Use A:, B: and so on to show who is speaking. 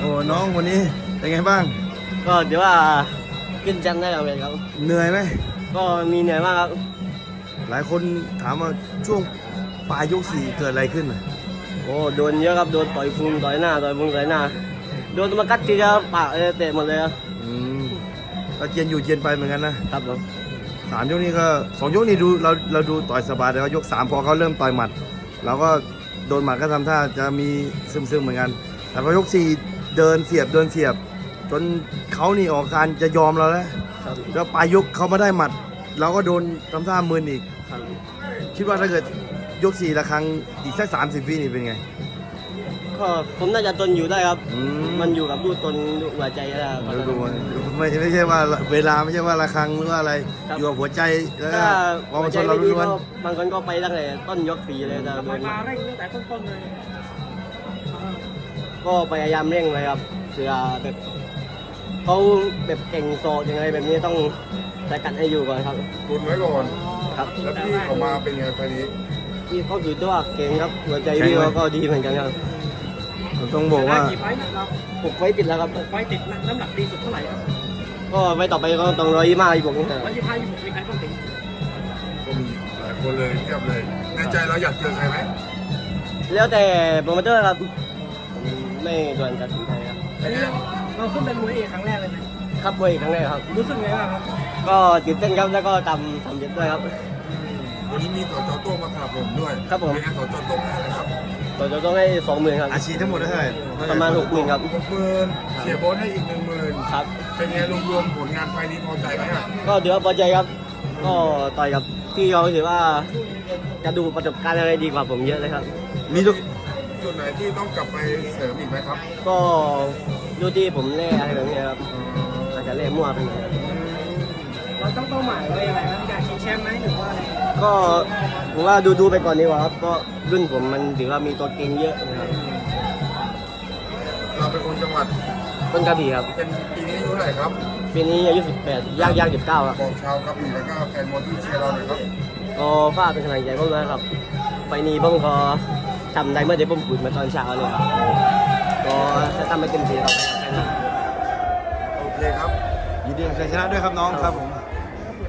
A: อ้น้องวันนี้เป็นไงบ้าง
B: ก็ถือว่าขึ้นแชมป์ได้แล้วครับ
A: เหนื่อยไหม
B: ก็มีเหนื่อยมากครับ
A: หลายคนถามว่าช่วงปลายยกสี่เกิดอะไรขึ้น
B: โอ้โดนเยอะครับโดนต่อยพุงต่อยหน้าต่อยพุงต่อยหน้าโดนมากัดทีจะปากเตะหมดเลยครับ
A: ก็เจียนอยู่เจียนไปเหมือนกันนะครับ
B: ผม
A: 3 ยกนี้ก็2 ยกนี้ดูเราดูต่อยสบายแต่ว่ายก3พอเขาเริ่มต่อยหมัดเราก็โดนหมัดก็ทำท่าจะมีซึมเหมือนกันแต่พอยก4เดินเสียบจนเขานี่ออกการจะยอมเราแล้วปลายยกเขามาได้หมัดเราก็โดนทำท่ามึนอีกคิดว่าถ้าเกิดยก4ละครั้งอีกสัก30 วินี่เป็นไง
B: ก็ผมน่าจะทนอยู่ได้ครับมันอยู่กับลูกตนหัวใจแล้ว
A: ไม่ใช่ว่าเวลาไม่ใช่ว่าละครั้งหรือว่าอะไรอยู่กับหัวใจแล้วก็
B: หัวใจเราล้วนบางคนก็ไปตั้งแต่ต้นยก4เลยนะ
C: มาเร่งตั้งแต่ต้นเลย
B: ก็พยายามเร่งเลยครับเพื่อแบบเขาแบบเก่งโซยังไงแบบนี้ต้องสกัดให้อยู่ก่อนครับ
D: ตุนไว้ก่อน
B: ครับ
D: แล้วพี่เขามาเป็นไงไฟนี้
B: พี่เขาถือตัวเก่งครับหัวใจพี่ก็ดีเหมือนกันครับ
A: ต้องบอกว่า
C: กี่ไฟต์นะครับ
B: 6 ไฟต์ติดแล้วครับ
C: 6 ไฟต์ติดน้ำหนักดีสุดเท่าไหร่ครับ
B: ก็ไฟต์ต่อไปก็ต้อง125
C: 125 26มีใครต้องถึง
D: ก็มีหลายคนเลยเทียบเลยในใจเราอยากเจอใครไหม
B: แล้วแต่โปรโมเตอร์ครับไม่ด่วนตัดสินใจครับ
C: เราขึ้นเป็นมวยเอกครั้งแรกเลยไหม
B: ครับมวยครั้งแรกครับ
C: รู้สึกไงบ้างครับ
B: ก็ตื่นเต้นครับแล้วก็ทำเยอะด้วยครับ
D: วันนี้มีต่อจอโต้มาขับผมด้วย
B: ครับผม
D: เป็นไงต่อจอโต้ให้อะไรครับ
B: ต่อจอโต้ให้20,000ครับ
A: อาชีพทั้งหมดเท่าไหร่
B: ประมาณ60,000ครับ
D: 60,000เสียโบนให้อีก10,000
B: ครับ
D: เป็นไงรวมๆผลงานไฟนี้พอใจไหมอ่ะ
B: ก็ถือว่าพอใจครับก็ต่อยกับพี่เขาถือว่าจะดูประสบการณ์อะไรดีกว่าผมเยอะเลยครับ
A: มีทุก
D: จุดไหนที่ต้องกลับไปเสริมอีกไหมครับ
B: ก็ดูที่ผมเล่อะไรแบบนี้ครับอาจจะเล่มั่วไปหน่อย
C: เราต้องเป้าหมายไว้ยังไงครับอยากชิงแชมป์ไหมหรือว่าอะไร
B: ก็ผมว่าดูไปก่อนดีกว่าครับก็รุ่นผมมันถือว่ามีตัวเก่งเยอะนะครับ
D: เราเป็นคนจังหวัด
B: ต้นกระบี่ครับ
D: เป็นปีนี้อายุเท่าไหร่ครับ
B: ปีนี้อายุ18ย่าง19ครับ
D: บอกชาวกระบี่แล้วก็แฟนมวยที่เชียร์เราหน่อยครับ
B: ก็ฝากเป็นกำลังใจผมด้วยครับไฟนี้ผมก็ทำได้เมื่อเดี๋ยวผมพูดมาตอนเช้าเลยครับก็จะทำให้เต็มที่ครับ
D: โอเคครับ
A: ยินดีกับชัยชนะด้วยครับน้องครับผม